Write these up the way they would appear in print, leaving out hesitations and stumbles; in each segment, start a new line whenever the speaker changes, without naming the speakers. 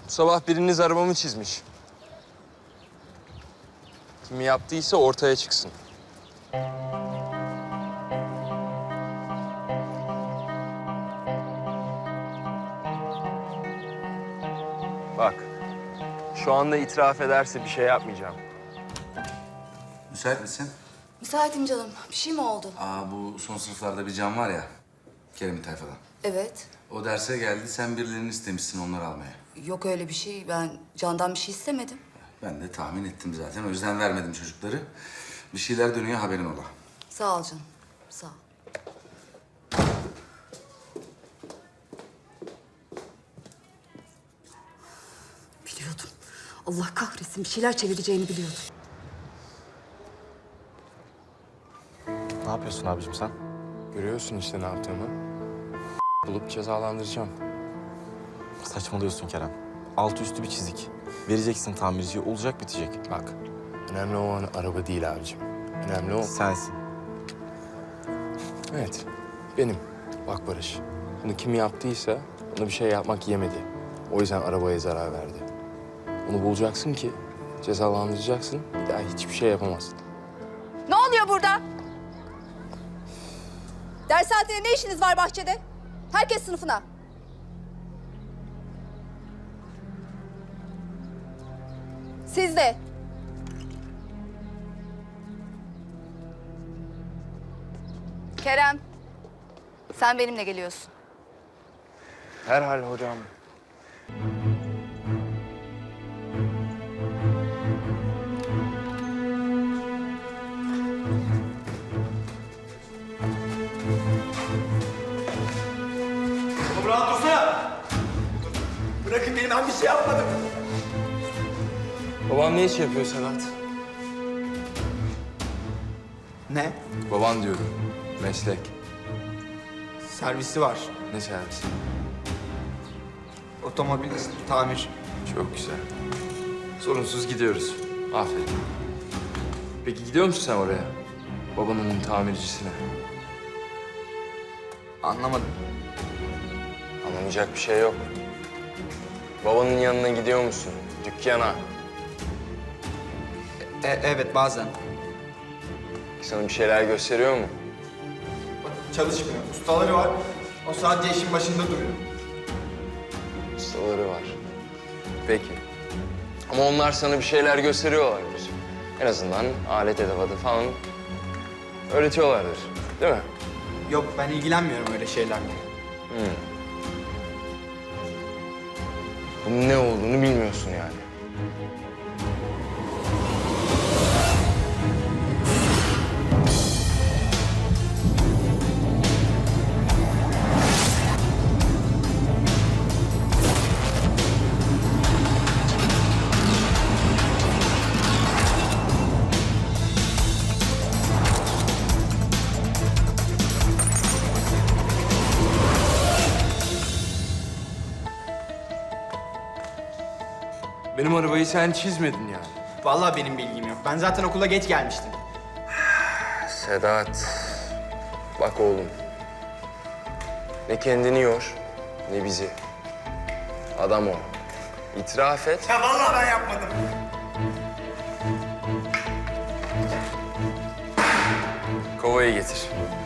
Bu sabah biriniz arabamı çizmiş. Kim yaptıysa ortaya çıksın. Bak, şu anda itiraf ederse bir şey yapmayacağım.
Müsait misin?
Müsaitim canım. Bir şey mi oldu?
Bu son sınıflarda bir can var ya, Kerem'in tayfadan.
Evet.
O derse geldi, sen birilerini istemişsin onları almaya.
Yok öyle bir şey. Ben Can'dan bir şey istemedim.
Ben de tahmin ettim zaten, o yüzden vermedim çocukları. Bir şeyler dönüyor, haberin ola.
Sağ ol canım. Sağ ol. Biliyordum. Allah kahretsin. Bir şeyler çevireceğini biliyordum.
Ne yapıyorsun abicim sen?
Görüyorsun işte ne yaptığımı. Bulup cezalandıracağım.
Saçmalıyorsun Kerem. Altı üstü bir çizik. Vereceksin tamirciye, olacak bitecek.
Bak, önemli olan araba değil abicim. Önemli o...
Sensin.
Evet, benim. Bak Barış, bunu kim yaptıysa ona bir şey yapmak yemedi. O yüzden arabaya zarar verdi. Onu bulacaksın ki cezalandıracaksın, bir daha hiçbir şey yapamazsın.
Ne oluyor burada? Ders saatinde ne işiniz var bahçede? Herkes sınıfına. Siz de. Kerem, sen benimle geliyorsun.
Herhal hocam.
Oğlum rahat dursana. Bırakın deyin, ben bir şey yapmadım.
Baban ne iş yapıyor Sedat?
Ne?
Baban diyorum, meslek.
Servisi var.
Ne servisi?
Otomobil tamir.
Çok güzel. Sorunsuz gidiyoruz. Aferin. Peki gidiyor musun sen oraya? Babanın tamircisine.
Anlamadım.
Anlamayacak bir şey yok. Babanın yanına gidiyor musun? Dükkana.
Evet bazen.
Sana bir şeyler gösteriyor mu?
Çalışmıyor. Ustaları var. O sadece işin başında duruyor.
Ustaları var. Peki. Ama onlar sana bir şeyler gösteriyorlardır. En azından alet edevatı falan öğretiyorlardır. Değil mi?
Yok, ben ilgilenmiyorum öyle şeylerle.
Bunun ne olduğunu bilmiyorsun yani. Benim arabayı sen çizmedin yani.
Vallahi benim bilgim yok. Ben zaten okula geç gelmiştim.
Sedat, bak oğlum. Ne kendini yor, ne bizi. Adam o. İtiraf et.
Ya vallahi ben yapmadım.
Kovayı getir.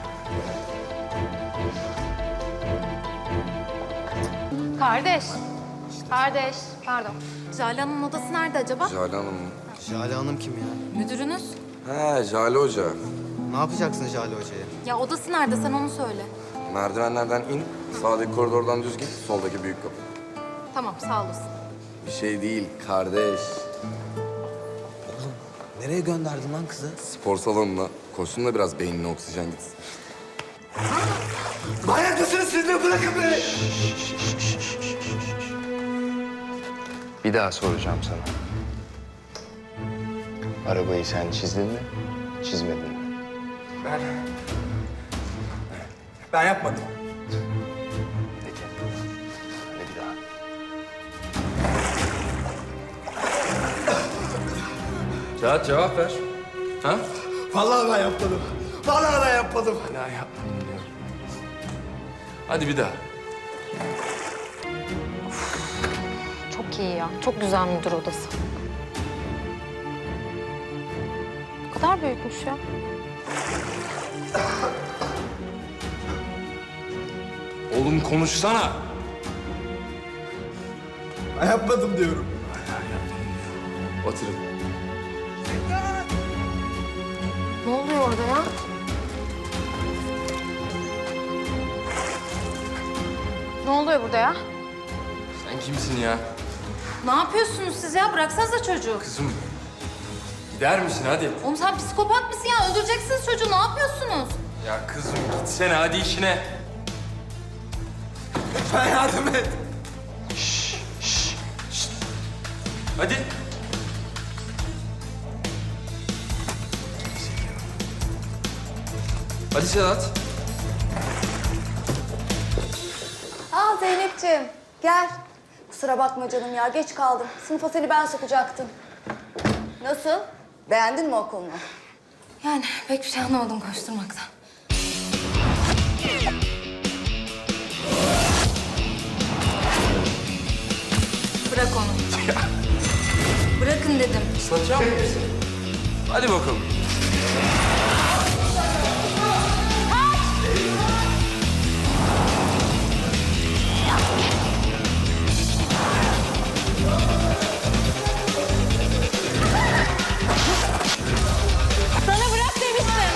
Kardeş. Kardeş. Pardon. Jale Hanım'ın odası nerede acaba?
Jale Hanım mı?
Jale Hanım kim ya?
Müdürünüz.
He, Jale Hoca.
Ne yapacaksın Jale Hoca'ya?
Ya odası nerede sen onu söyle.
Merdivenlerden in, sağdaki koridordan düz git, soldaki büyük kapı.
Tamam sağ olasın.
Bir şey değil, kardeş.
Nereye gönderdin lan kızı?
Spor salonuna, koşsun da biraz beynine oksijen gitsin.
Manyak mısınız siz de, bırakın beni.
Bir daha soracağım sana. Arabayı sen çizdin mi, çizmedin mi?
Ben yapmadım.
Peki. Hadi bir daha. Sedat cevap ver. Ha?
Vallahi ben yapmadım. Vallahi ben yapmadım.
Hala yapmayın diyor. Hadi bir daha.
Çok çok iyi ya. Çok güzel müdür odası. Ne kadar büyükmüş ya.
Oğlum konuşsana.
Ben yapmadım diyorum.
Oturun.
Ne oluyor orada ya? Ne oluyor burada ya?
Sen kimsin ya?
Ne yapıyorsunuz siz ya? Bıraksanıza çocuğu.
Kızım. Gider misin hadi?
Oğlum sen psikopat mısın ya? Öldüreceksiniz çocuğu. Ne yapıyorsunuz?
Ya kızım gitsene hadi işine.
Lütfen yardım et.
Hadi. Hadi Sedat.
Aa Zeynep'ciğim gel. Kusura bakma canım ya geç kaldım. Sınıfa seni ben sokacaktım. Nasıl? Beğendin mi okulunu?
Yani pek bir şey anlamadım koşturmaktan. Bırak onu. Bırakın dedim.
Islatacak mısın? Hadi bakalım.
Sana bırak demiştim.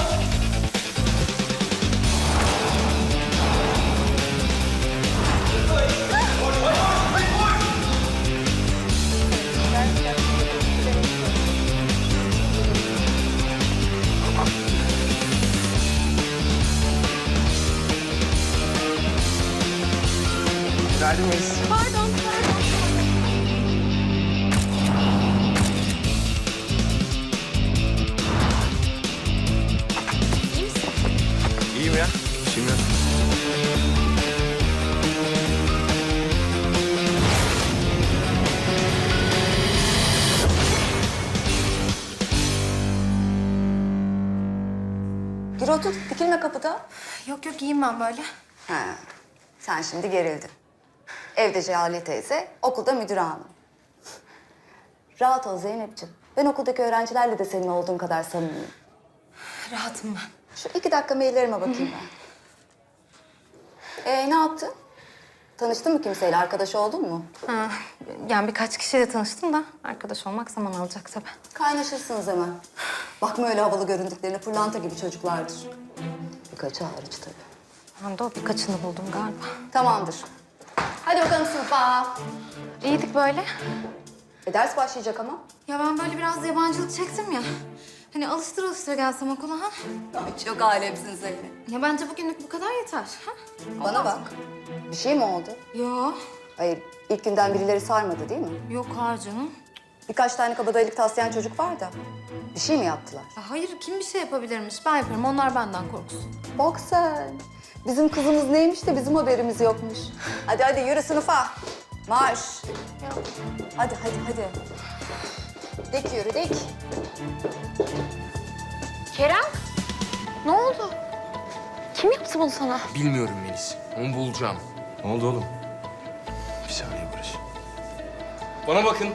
Pardon.
İyiyim ya. Şimdi.
Gir otur dikilme kapıda.
Yok yok iyiyim ben böyle.
He, sen şimdi gerildin. Evde Cihale teyze, okulda müdür hanım. Rahat ol Zeynep'ciğim. Ben okuldaki öğrencilerle de senin olduğun kadar samimiyim.
Rahatım ben.
Şu 2 dakika maillerime bakayım ben. Ne yaptın? Tanıştın mı kimseyle? Arkadaş oldun mu?
Ha, yani birkaç kişiyle tanıştım da arkadaş olmak zaman alacak tabii.
Kaynaşırsınız hemen. Bakma öyle havalı göründüklerine, pırlanta gibi çocuklardır. Birkaçı hariç tabii.
Ben de o birkaçını buldum galiba.
Tamamdır. Hadi bakalım sınıfa.
İyiydik böyle.
Ders başlayacak ama.
Ya ben böyle biraz yabancılık çektim ya. Hani alıştır gelsem okula ha.
Ay, çok alemsin Zeynep.
Ya bence bugünlük bu kadar yeter. Ha?
Bana bak. Bir şey mi oldu?
Yo,
Hayır, ilk günden birileri sarmadı değil mi?
yok hayır canım.
Birkaç tane kabadayılık taslayan çocuk var da. Bir şey mi yaptılar?
Ya hayır kim bir şey yapabilirmiş? Ben yaparım. Onlar benden korksun.
Bak sen. Bizim kızımız neymiş de bizim haberimiz yokmuş. Hadi hadi yürü sınıfa. Marş. Hadi hadi hadi. Dik yürü dik.
Kerem, ne oldu? Kim yaptı bunu sana?
Bilmiyorum Melis. Onu bulacağım.
Ne oldu oğlum?
Bir saniye Barış. Bana bakın.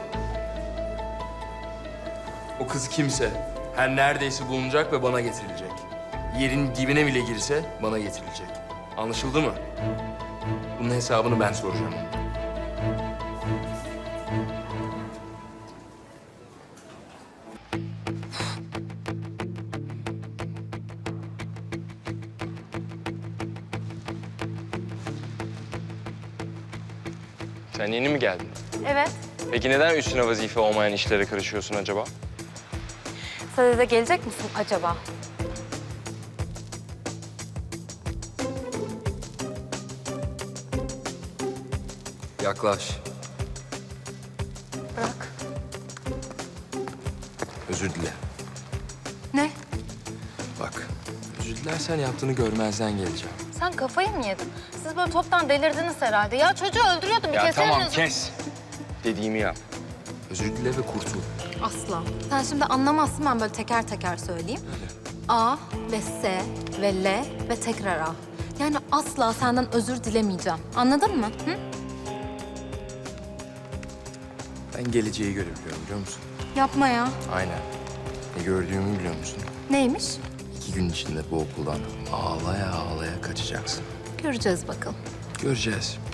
O kız kimse her neredeyse bulunacak ve bana getirilecek. Yerin dibine bile girse bana getirilecek. Anlaşıldı mı? Bunun hesabını ben soracağım. Sen yeni mi geldin?
Evet.
Peki neden üstüne vazife olmayan işlere karışıyorsun acaba?
Sadede gelecek misin acaba?
Yaklaş.
Bırak.
Özür dile.
Ne?
Bak, özür dilersen yaptığını görmezden geleceğim.
Sen kafayı mı yedin? Siz böyle toptan delirdiniz herhalde. Ya çocuğu öldürüyordum. Bir
Ya
kez
tamam
elinizi-
kes. Dediğimi yap. Özür dile ve kurtul.
Asla. Sen şimdi anlamazsın, ben böyle teker teker söyleyeyim. A ve S ve L ve tekrar A. Yani asla senden özür dilemeyeceğim. Anladın mı? Hı?
Ben geleceği görebiliyorum biliyor musun?
Yapma ya.
Aynen. Ne gördüğümü biliyor musun?
Neymiş?
2 gün içinde bu okuldan ağlaya ağlaya kaçacaksın.
Göreceğiz bakalım.
Göreceğiz.